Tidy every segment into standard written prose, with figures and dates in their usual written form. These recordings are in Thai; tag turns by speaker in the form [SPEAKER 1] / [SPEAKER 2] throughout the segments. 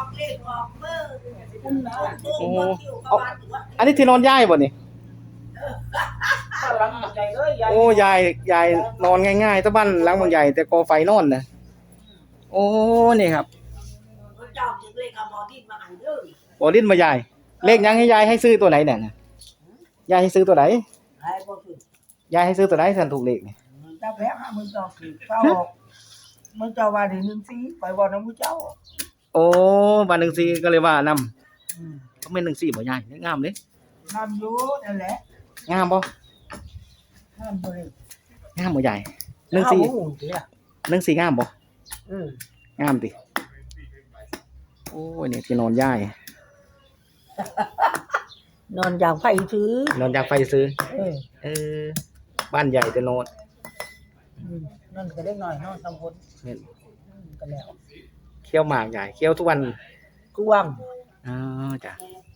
[SPEAKER 1] โอ้เอาอันนี้ที่นอนยายบ่นี่โอ้ยายนอนง่ายๆตะบ้านหลังบางใหญ่แต่ก่อไฟนอนน่ะโอ้นี่ครับบ่ลิ้นมายายเลขยังให้ยายให้ซื้อตัวไหนเนี่ยยายให้ซื้อตัวไหนยายให้ซื้อตัวไหนสันถูกเลขนี่
[SPEAKER 2] เจ้าแพ้มึงเจ้าคือเจ้ามึงเจ้าว่าถึง1-4ไปบ่นำมึงเจ้า
[SPEAKER 1] โอ้บ้าน14ก็เลยว่านำเขาแม่น14บ่ยายงามเด้
[SPEAKER 2] นำอยู่นั่นแหละ
[SPEAKER 1] งามบ่
[SPEAKER 2] นำบ่
[SPEAKER 1] งามบ่ยาย14งามบ่งามติโอ้ยนี่ที่นอนยาย
[SPEAKER 2] นอนอย่างไฟซื้อน
[SPEAKER 1] อนอยากไฟซื้อเออบ้านใหญ่แต่นอน
[SPEAKER 2] นั่นก็ได้หน่อยนอน2คนก็แล้ว
[SPEAKER 1] เคี่ยวหมากใหญ่เคี่ยวทุกวัน
[SPEAKER 2] กว้าง
[SPEAKER 1] อ๋อจ้ะ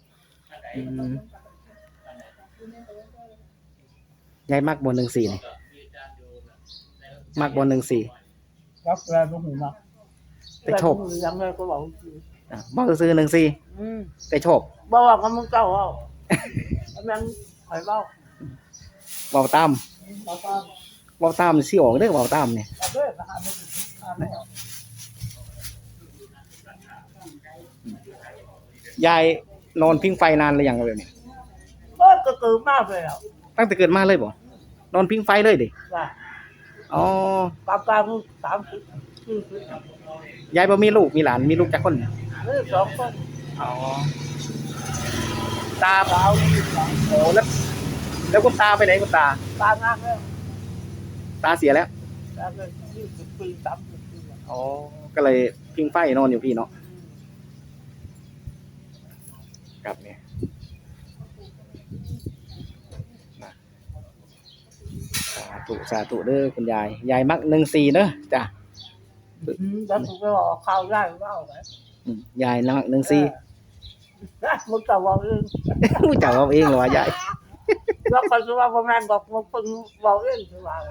[SPEAKER 1] ยายมักบ่14นี่มักบ่14
[SPEAKER 2] รักแล้วบ่ฮู้มัก
[SPEAKER 1] แต่โชค
[SPEAKER 2] ยังไงก็บอก
[SPEAKER 1] บ่ซื้อ14แต่โชค
[SPEAKER 2] บ่ว่ากับมึงเจ้าเอามันข่อยเว้า
[SPEAKER 1] เว้าตามสิออกเด้อเว้าตามนี่ยายนอนพิงไฟนานหรือยังแบบนี้
[SPEAKER 2] ก็ตื่นมากเลยอ่ะ
[SPEAKER 1] ตั้งแต่เกิดมาเลยบ่นอนพิงไฟเลยดิ
[SPEAKER 2] จ้ะ
[SPEAKER 1] อ๋อ
[SPEAKER 2] กลาง30-40
[SPEAKER 1] ยายบ่มีลูกมีหลานมีลูกจักคน
[SPEAKER 2] 2คน
[SPEAKER 1] อ๋อตาเปล่าโอ้แล้วคุณตาไปไหนคุณตา
[SPEAKER 2] ตางานแล้ว
[SPEAKER 1] ตาเสียแล้ว
[SPEAKER 2] ตาก็20 ปี30 ปี
[SPEAKER 1] อ๋อก็เลยพิงไฟนอนอยู่พี่เนาะครับเนี่ยสาธุเด้อคุณยายมัก14เด้อจ้ะ
[SPEAKER 2] แล้วกูก็บอกข่าวได้เว้าไว้
[SPEAKER 1] ยายมัก14
[SPEAKER 2] มึงก็เว้าเอง
[SPEAKER 1] รู้จักเอาเองเหรอวะยาย
[SPEAKER 2] แล้วก็สิว่าบ่แม่นบอกมึงเพิ่งเว้าเองสิว่า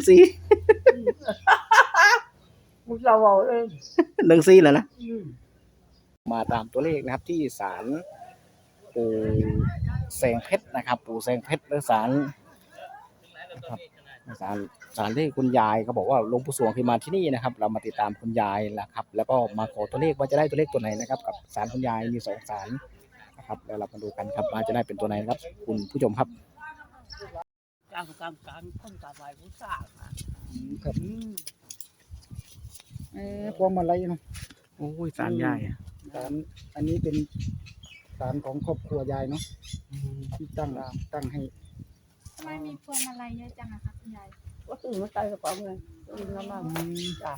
[SPEAKER 2] มึงก็เว้าเอง
[SPEAKER 1] 14แล้วนะมาตามตัวเลขนะครับที่ศาลปู่แสงเพชรนะครับปู่แสงเพชรหรือศาลนะครับศาลเลขคุณยายเขาบอกว่าหลวงปู่สวงเคยมาที่นี่นะครับเรามาติดตามคุณยายแหละครับแล้วก็มาขอตัวเลขว่าจะได้ตัวเลขตัวไหนนะครับกับศาลคุณยายมี2ศาลนะครับแล้วเรามาดูกันครับว่าจะได้เป็นตัวไหนครับคุณผู้ชมครับ
[SPEAKER 2] การคนกับไหว้บูชา
[SPEAKER 1] ครับพวงมาลัยเนาะโอ้ยศาลยายศาลอันนี้เป็นศาลของครอบครัวยายเนาะที่ตั้งให้
[SPEAKER 3] ทำไมมีพวงมาลัยเยอะจังอะคะคุณยาย
[SPEAKER 2] ก็ตื่นมาใส่กระเป๋าเงินน้ำมันจ้ะ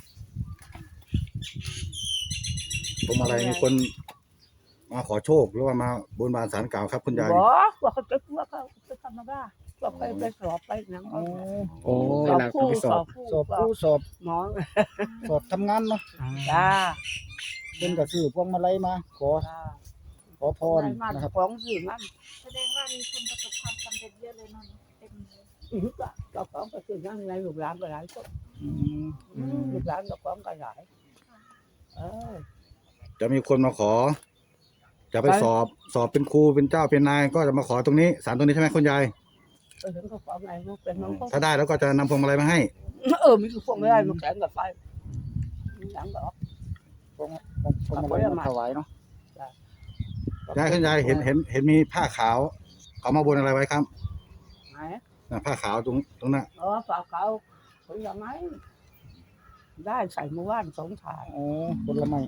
[SPEAKER 4] พวงมาลัยมีคนมาขอโชคหรือว่ามาบนบานศาลกล่าวครับคุณยาย
[SPEAKER 2] ว่าเขาจะว่าเขาจะทำมาบ้าว่าไปสอบไปหนัง
[SPEAKER 1] โอ้เวลาไปสอบ
[SPEAKER 2] หมอ
[SPEAKER 1] สอบทำงานเนาะ
[SPEAKER 2] จ้า
[SPEAKER 1] เป็นกระสือพวงมาลัยมาขอพร
[SPEAKER 2] นะครับของสื่อมัน
[SPEAKER 3] แสดงว่ามีคนประสบความสำเร็จเยอะเลยเนาะเต็มเลย
[SPEAKER 2] ก็ของก็คือนั่งในลูกหลานก็หลายคนลูกหลานก็ของก็หลาย
[SPEAKER 4] จะมีคนมาขอจะไปสอบเป็นครูเป็นเจ้าเป็นนายก็จะมาขอตรงนี้ศาลตรงนี้ใช่ไหมคุณยายถ้าได้แล้วก็จะนำพวงมาลัยมาให้
[SPEAKER 2] มีพวงมาลัยมาแข่งกับไฟหลังก็
[SPEAKER 1] พวงมาลัยมาถวายเนาะ
[SPEAKER 4] ยายคุณยายเห็นมีผ้าขาวเขามาบนอะไรไว้ครับผ้าขาวตรงนั้น
[SPEAKER 2] ผ้าขาวผลไม้ได้ใส่เมื่อวาน2 ถาด
[SPEAKER 1] ผลไม้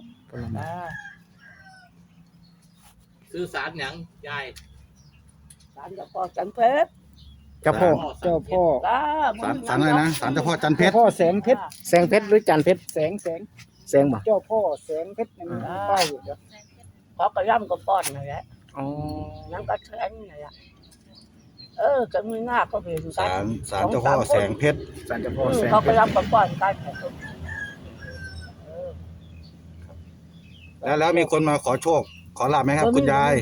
[SPEAKER 5] ซื้อสารหยังยาย
[SPEAKER 2] สารเจ้าพ่อจันเพชร
[SPEAKER 1] เจ้าพ่อ
[SPEAKER 4] สารอะไรนะสารเจ้าพ่อจันเพชร
[SPEAKER 1] พ่อแสงเพชรหรือจันเพชรแสงบ่
[SPEAKER 2] เจ้าพ่อแสงเพชรนั่นป้ายอยู่เด้อเขาก็ย่ำก็ป้อนนั่นแหละนั่นก็แสงนี่แหละจะมีหน้าก็เป็น
[SPEAKER 4] สารเจ้าพ่อแสงเพชร
[SPEAKER 1] ศาลเจ้าพ่อแสง
[SPEAKER 2] เขาก็ย่ำก็ป้อนกัน
[SPEAKER 4] แล้วมีคนมาขอโชคขอลาบไหมครับคุณยาย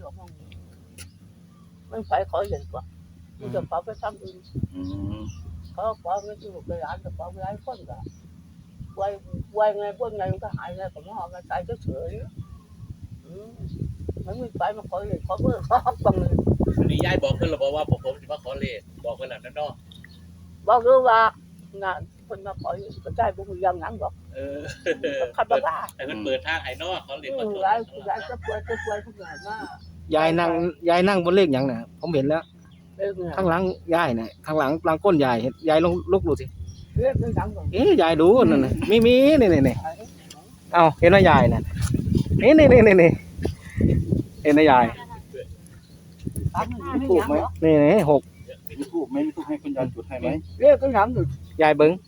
[SPEAKER 2] ไม่ไปขอเห็นกว่ามันจะไปทำอื่นเขาขอไม่ถูกไปร้านจะขอไปร้านคนก็ไวไงพวกไงมันก็หายไงผมว่ามันตายเฉยมันไม่ไปมาขอเลยขอเบอร์ขอฮับบังเลย
[SPEAKER 5] วันนี้ยายบอกเพิ่นแล้วบอกว่าผมจะมาขอเลขบอกเพิ่นแล้วนั่นเนาะ
[SPEAKER 2] บอกรู้ว่างานคนมาขออยู่ก็ได้บุญยังงั้นบอก
[SPEAKER 5] เออ
[SPEAKER 2] ขับบ้า
[SPEAKER 5] ให้เพิ่นเปิดทางให้เนาะขอเลขขอโชค
[SPEAKER 2] ร้ายร้ายจะป่วยทุกอย่างมาก
[SPEAKER 1] ยายนั่งบนเลขหยังน่ะผมเห็นแล้ว
[SPEAKER 2] เรื่องเนี่ย
[SPEAKER 1] ข้างหลังยายน่ะข้างหลังก้นยายเห็นยายลองลุกดูสิ
[SPEAKER 2] เรื่องดังก่อน
[SPEAKER 1] เอ๊ะยายดูนั่นน่ะมีนี่เอ้าเห็นว่ายายน่ะนี่เห็นว่ายาย
[SPEAKER 2] ตั้งไม่
[SPEAKER 4] ถูก
[SPEAKER 2] ยัง
[SPEAKER 4] ไหม
[SPEAKER 2] เหรอ
[SPEAKER 1] นี่6
[SPEAKER 4] มีทูบไหมมีทูบให้คุณยายจุดให้ไหม
[SPEAKER 2] เรื่องก็ยังอยู่
[SPEAKER 1] ยายเบิ่ง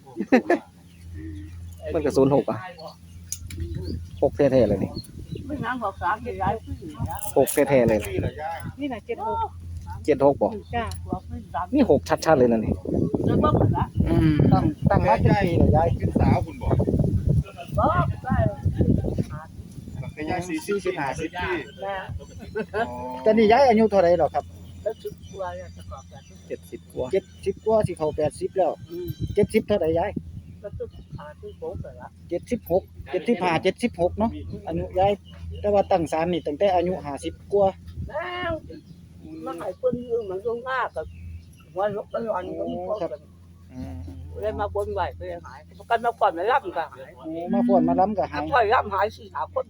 [SPEAKER 1] มันก็06อ่ะ6แท้ๆเลยนี่
[SPEAKER 2] ไม่ยังบอกสามจะย้ายขึ้น
[SPEAKER 1] 6
[SPEAKER 2] นะ
[SPEAKER 1] แท้ๆเลยนะ
[SPEAKER 4] นี่เหรอยาย
[SPEAKER 3] นี่น่ะ76
[SPEAKER 1] 76บ่
[SPEAKER 3] จ้า
[SPEAKER 2] บอกขึ้นสาม
[SPEAKER 1] นี่6ชัดๆเลยนั่นนี่
[SPEAKER 2] เรื่องบ้างเหรอ
[SPEAKER 4] ตั้งมาเป็นปีเหรอยายเป็นสาวคุณบอก
[SPEAKER 2] บอกได้
[SPEAKER 4] แต่ยาย40 50ปี
[SPEAKER 2] แม่
[SPEAKER 6] แต่นี่ย้ายอายุเท่าไหร่หรอครับ
[SPEAKER 2] แล้วชุดตัวจะกรอบแบบ
[SPEAKER 1] 70กว่า
[SPEAKER 6] 70กว่าสิเข้า80แล้ว70เท่าไหร่ย้าย
[SPEAKER 2] แล้วชุดขาที่โป๊ะเลยละ
[SPEAKER 6] 76 75 76เนาะอายุย้ายแต่ว่าตั้งศาลนี่ตั้งแต่อายุ50กว่า
[SPEAKER 2] แล้วมาหายคนยืมมันตรงหน้ากับวันลบกันวันก็มีคนกันเลยมาบนไหวไปหายกันมาก่อนไม่รับก็หาย
[SPEAKER 6] โอ้มาฟ้อนมาล้ำก็หาย
[SPEAKER 2] ค่อยรับหายสี่หาคน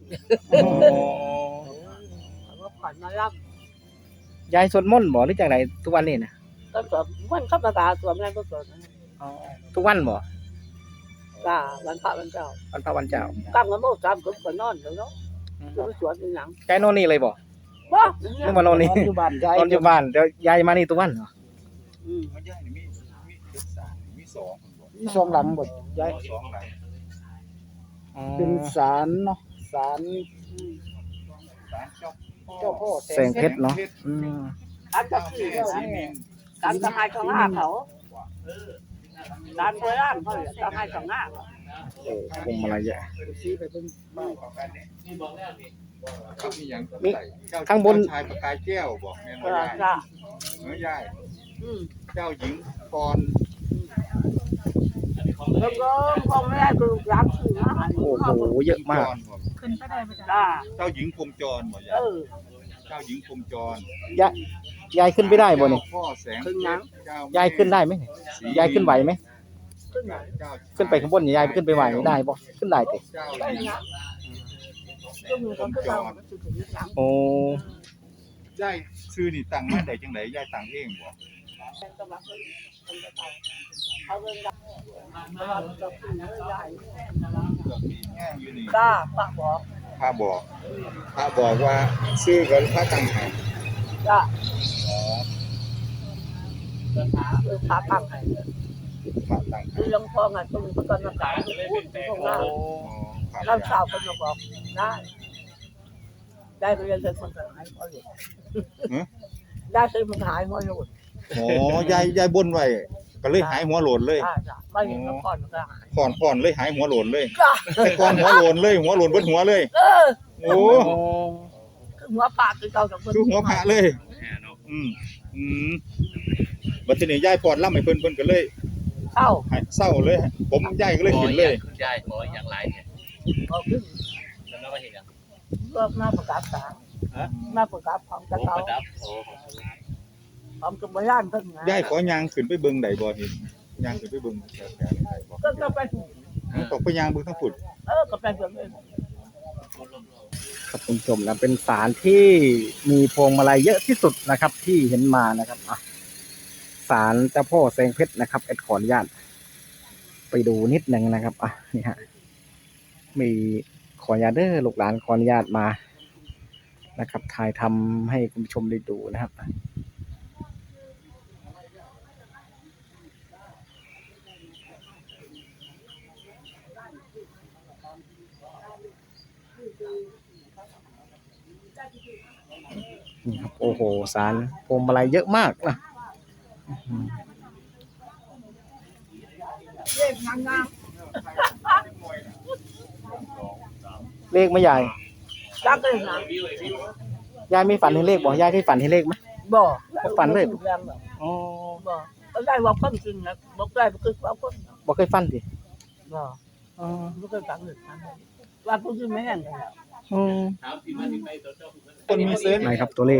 [SPEAKER 2] มาก่อนมารับ
[SPEAKER 1] ยายสวดมนต์บ่หรือจังไดทุกวันนี่น่ะ
[SPEAKER 2] ก็สวมวันข้าพเจ้าสวมนั่นก็สวม
[SPEAKER 1] ทุกวันบ่
[SPEAKER 2] จ้าวันพระวันเจ้า
[SPEAKER 1] วันพระวันเจ้า
[SPEAKER 2] ตั้งกันโม่สามกลุ่มก็นอนเนาะจะไปสวนที่หนัง
[SPEAKER 1] ยายนอนนี่เลยบ่
[SPEAKER 2] บ่
[SPEAKER 1] นึกว่านอนนี่
[SPEAKER 6] นอนอยู่บ้านย้าย
[SPEAKER 1] นอนอยู่บ้านเดี๋ยวยายมานี่ทุกวันเหรอ
[SPEAKER 4] มันยายนี่มี3มี2คุณบอก
[SPEAKER 6] มีสองหลังบ่ย้าย
[SPEAKER 4] 2หลัง
[SPEAKER 6] เป็นศาลเนาะศาล
[SPEAKER 4] ศาล
[SPEAKER 6] เจ้าพ่อ
[SPEAKER 1] แสงเพชรเนาะอืม
[SPEAKER 2] การจะขี่เนี่ยการทำให้ของหน้าเขาการเปิดร้านเขาทำให้ของหน้า
[SPEAKER 1] โอ้พวงมาลัยเยอะ
[SPEAKER 6] สิไปเบิ่ง
[SPEAKER 5] นี่บอกแล้วนี่
[SPEAKER 4] ครับมีหยัง
[SPEAKER 1] มีข้างบน
[SPEAKER 4] ชายประกายแก้วบอกแม่น
[SPEAKER 2] เอ
[SPEAKER 4] บ่
[SPEAKER 2] อย
[SPEAKER 4] าย
[SPEAKER 2] จ้า
[SPEAKER 4] เนื้อยาย
[SPEAKER 2] อืม
[SPEAKER 4] เจ้าหญิงกร
[SPEAKER 5] อันนี้ของ
[SPEAKER 2] แล้วก็คงไม่ได้คือร้านขี่มา
[SPEAKER 1] โอ้โหเยอะมาก
[SPEAKER 3] ขึ้นไปได้บ่จ้า
[SPEAKER 2] จ้า
[SPEAKER 4] เจ้าหญิงพรหมจรบ่
[SPEAKER 2] เอย
[SPEAKER 4] าย
[SPEAKER 2] อ
[SPEAKER 4] เจ้าหญิงพรหมจร
[SPEAKER 1] ยายขึ้นไปได้บ่นี่
[SPEAKER 4] พ่อแสง
[SPEAKER 2] ขึ้นหยัง
[SPEAKER 4] เจ้าย
[SPEAKER 1] ายขึ้นได้ไหมยายขึ้นไหวไหม
[SPEAKER 2] ขึ้นหยัง
[SPEAKER 4] เจ้า
[SPEAKER 1] ขึ้นไปข้างบนยายขึ้นไปไหวได้บ่ขึ้นได้ติ
[SPEAKER 4] เจ้า
[SPEAKER 2] ได้
[SPEAKER 4] หญิง
[SPEAKER 2] หยังก็มีคนขึ้นมาสุดถึงหยัง
[SPEAKER 1] โอ้
[SPEAKER 4] ยายซื้อนี่ตั้งมาได้จังไดยายตั้งเองบ่
[SPEAKER 2] ก็มาขึ้นเอาเงินดัเราจะขึ้นใหญ่
[SPEAKER 4] เรื่องนี้แง่อยู่นี่
[SPEAKER 2] จ้าปะบอก
[SPEAKER 4] พระบอกพระบอกว่าซื้อกันพระตั้งให้
[SPEAKER 2] จ้า
[SPEAKER 4] อ๋อ
[SPEAKER 2] ขาตั้งให้
[SPEAKER 4] พระตั้งให้
[SPEAKER 2] คือลงพองอ่ะตรงประกันอากาศพูดตรงหน้า
[SPEAKER 4] อ๋อครับ
[SPEAKER 2] เราสาวคนมาบอกได้ได้ไปเรียนเป็นคนหายหัวหลุดได้ซื้อมันหายหัวหลุด
[SPEAKER 4] อ๋อยายบนไว้ก็เลยหายหัวโหลนเลย
[SPEAKER 2] จ้าไม่เห็นมาก่อนก็หาย
[SPEAKER 4] ก่อนเลยหายหัวโหลนเลย
[SPEAKER 2] จ้า
[SPEAKER 4] แต่ก่อนหัวโหลนเลยหัวโหลนเบิดหัวเลย โอ้
[SPEAKER 2] คือหัวปากคือเก่ากับเพื่อน
[SPEAKER 4] คือหัวพระเลย อืมบัดทีนี้ยายปอดล่ำให้เพิ่นก็เลย
[SPEAKER 2] เข้า
[SPEAKER 4] หายเศร้าเลย ผมยายก็เลยขึ้นเลย
[SPEAKER 5] คุณยายขออย่างไรเนี่ย
[SPEAKER 2] ก็ขึ้น
[SPEAKER 5] แล้วก็มาเห็นอย่าง
[SPEAKER 2] ก็หน้าประกาศสารหน้าประกาศของ
[SPEAKER 5] โอ้
[SPEAKER 2] จะเก่า
[SPEAKER 5] ประดับโอ้
[SPEAKER 2] ของกรมย่านเพิ่งไง
[SPEAKER 4] ยายขอยางขึ้นไปเบิ่งได้บ่เห็นยางขึ้นไปเบิ่งแถวๆได้บ่
[SPEAKER 2] ก็ไป
[SPEAKER 4] ตกไปยางเบิ่งทั้งฝุ่น
[SPEAKER 2] ก็ไปเพิ่งเอง
[SPEAKER 1] ครับคุณผู้ชมนะเป็นศาลที่มีพวงมาลัยเยอะที่สุดนะครับ ที่เห็นมานะครับอ่ะศาลเจ้าพ่อแสงเพชรนะครับเอ็ดขออนุญาตไปดูนิดหนึ่งนะครับอ่ะนี่ฮะมีขออนุญาตเด้อลูกหลานขออนุญาตมานะครับถ่ายทำให้คุณผู้ชมได้ดูนะครับนี่ครับโอ้โหศาลพวงมาลัยเยอะมากนะอืม
[SPEAKER 2] เล่นงาม
[SPEAKER 1] เลขไหม่ยาย
[SPEAKER 2] ๆรักเลยนะ
[SPEAKER 1] ยายมีฝันเห็นเลขบ่ยายเคยฝันเห็นเลขไหม
[SPEAKER 2] บ่
[SPEAKER 1] ฝันเลย
[SPEAKER 2] อ๋อบ่ก็ได้ว่าคนจริงนะบอกได้ก็คือว่าคน
[SPEAKER 1] บ่เคยฝันดิ
[SPEAKER 2] บ่
[SPEAKER 1] อ๋อ
[SPEAKER 2] ไม่เคยฝันเลยว่าคนจริงไม่แห้งเลย
[SPEAKER 1] อืม
[SPEAKER 5] ถามที่มาที่ไปตัวเจ้า
[SPEAKER 4] คนมีเซนส์
[SPEAKER 1] ไหนครับตัวเลข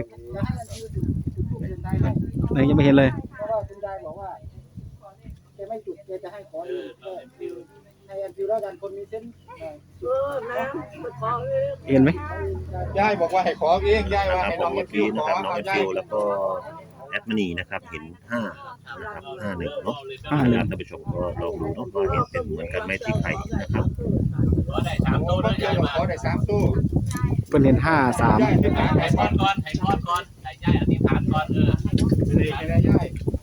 [SPEAKER 1] ไหนยังไม่เห็นเลย
[SPEAKER 6] เพราะว่าคุณยายบอกว่าแกไม่จุดแกจะให้ขอเองก็ให้แอนฟิวแล้วกันคนมีเส้นส์
[SPEAKER 2] แม่ไปขอเอง
[SPEAKER 1] เห็นไหม
[SPEAKER 4] ยายบอกว่าให้ขอเองยาย
[SPEAKER 7] นะ
[SPEAKER 4] ว่า
[SPEAKER 7] ครับ
[SPEAKER 4] ให้
[SPEAKER 7] ผ
[SPEAKER 4] น้อ
[SPEAKER 7] ม
[SPEAKER 4] ง
[SPEAKER 7] เมื่อ
[SPEAKER 4] ฟิ
[SPEAKER 7] กี้
[SPEAKER 4] ว
[SPEAKER 7] นะ
[SPEAKER 4] ขอ
[SPEAKER 7] ครับน้อง
[SPEAKER 4] เอา
[SPEAKER 7] เอฟ
[SPEAKER 4] ยาย
[SPEAKER 7] ฟิวแล้วก็แอดมินีนะครับเห็น5นะครับ51เนาะท่านผู้ชมก็ลองดูเนาะว่าเห็นเป็นเหมือนกันไหมที่ใครนะครับ
[SPEAKER 5] ขอได้3
[SPEAKER 4] โอ้
[SPEAKER 5] ตัว
[SPEAKER 4] ย
[SPEAKER 5] นะ
[SPEAKER 4] ยาย
[SPEAKER 5] าย
[SPEAKER 4] บอก
[SPEAKER 5] มา
[SPEAKER 4] ขอได้3ตู้
[SPEAKER 1] เพิ่นเห็น53
[SPEAKER 4] ยายที่ไหน
[SPEAKER 5] ให้พรก่อนให้ยายอธิษฐานก่อน
[SPEAKER 4] เลขอะไรยาย